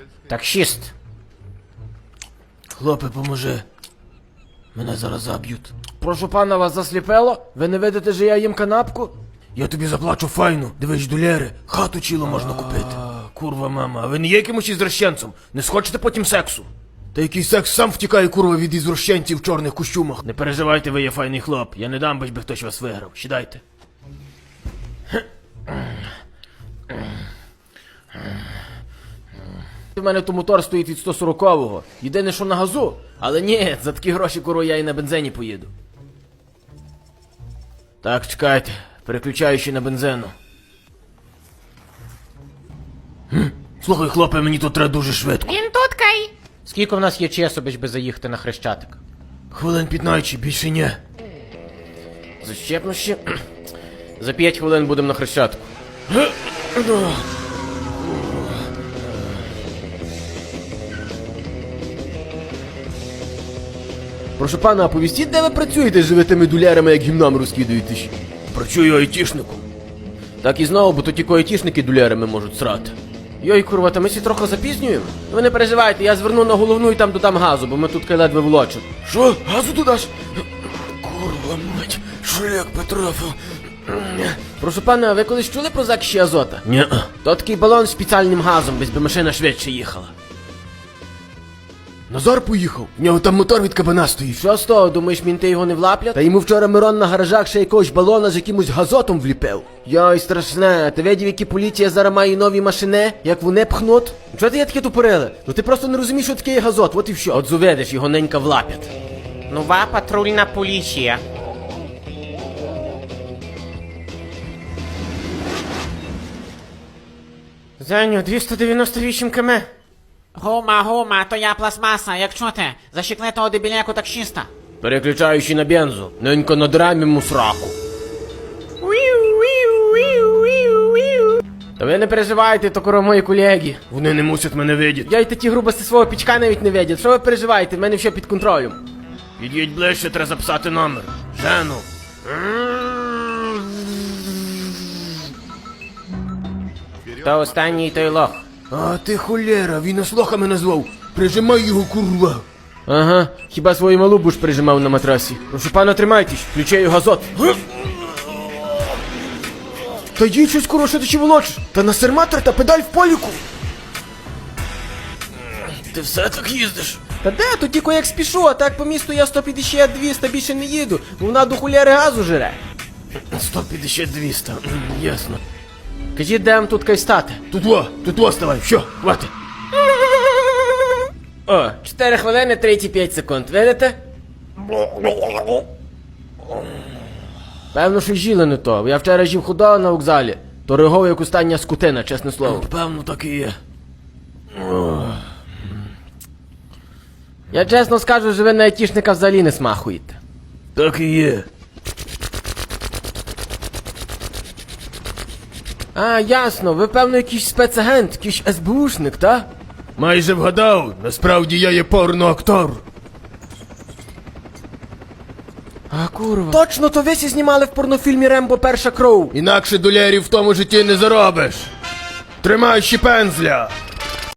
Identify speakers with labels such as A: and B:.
A: Таксіст. Хлопе, поможи. Мене зараз заб'ють. Прошу пана, вас засліпело? Ви не видите, що я їм канапку? Я тобі заплачу файну. Дивись, доляри, хату цілу можна купити. Курва, мама, а ви не є якимось ізрощенцем? Не схочете потім сексу? Та який секс сам втікає, курва, від ізрощенців в чорних костюмах. Не переживайте, ви є файний хлоп. Я не дам, би хтось вас виграв. Сідайте. У мене то мотор стоїть від 140-го. Єдине, що на газу. Але ні, за такі гроші, курва, я і на бензині поїду. Так, чекайте. Переключаючи на бензину. Слухай, хлопе, мені тут треба дуже швидко.
B: Він тут, Кай.
A: Скільки в нас є часу, би заїхати на Хрещатик? Хвилин 15, більше ні. Защепну ще. За 5 хвилин будемо на Хрещатику. Прошу пана, оповістіть, де ви працюєте з живими дулярами, як гімнам розкидаєтесь? Працюю айтішником. Так і знову, бо то тільки айтішники дулярами можуть срати. Йой, курва, та ми всі трохи запізнюємо? Ви не переживайте, я зверну на головну і там додам газу, бо ми тут ледве влочимо. Що? Газу додаш? Курва, мать, шлях потрапив. Прошу пана, а ви колись чули про закиші азота? Ні. То такий балон з спеціальним газом, без би машина швидше їхала. Назар поїхав, в нього там мотор від кабана стоїть. Що з того, думаєш, мінти його не влаплять? Та йому вчора Мирон на гаражах ще якогось балона з якимось газотом вліпив. Йой, страшне, ти видів, які поліція зараз має нові машини, як вони пхнуть? Чого ти є таке тупорили? Ну ти просто не розумієш, що таке є газот, от і все. От зуведеш, його ненька влапять.
B: Нова патрульна поліція.
A: Зеню, 298 км.
B: Гума, то я пластмаса, як чути? Защекли того дебіляку таксіста.
A: Переключаючи на бензу, ненька надрамі мусраку. Та ви не переживайте, то коро мої колеги. Вони не мусять мене видіти. Я й такі грубості свого пічка навіть не видять. Що ви переживаєте, в мене все під контролем. Під'їдь ближче, треба записати номер. Жену.
B: Та останній той лох.
A: А ти холєра, він нас лохами назвав. Прижимай його, курва. Ага, хіба свою малу будеш прижимав на матрасі. Прошу пана, тримайтесь, включаю газот. Та їдь щось, курва, що ти чи волочиш? Та на серматор та педаль в поліку. Ти все так їздиш? Та де, то тільки як спішу, а так по місту я 150-200 більше не їду, бо вона до хуляри газу жире. 150-200, ясно. Кажіть, де вам тут кай стати? Тут во ставай, все, хватить. О, 4 хвилини 35 секунд, видите? Певно, що жіли не то. Я вчора жив худого на вокзалі. То ригов, як остання скотина, чесне слово. Певно, так і є. Я чесно скажу, що ви на айтішника взагалі не смахуєте. Так і є. А, ясно, ви, певно, якийсь спецагент, якийсь СБУшник, та? Майже вгадав, насправді я є порноактор. А, курва. Точно, то ви сі знімали в порнофільмі «Рембо. Перша кров». Інакше долярів в тому житті не заробиш. Тримай ще пензля.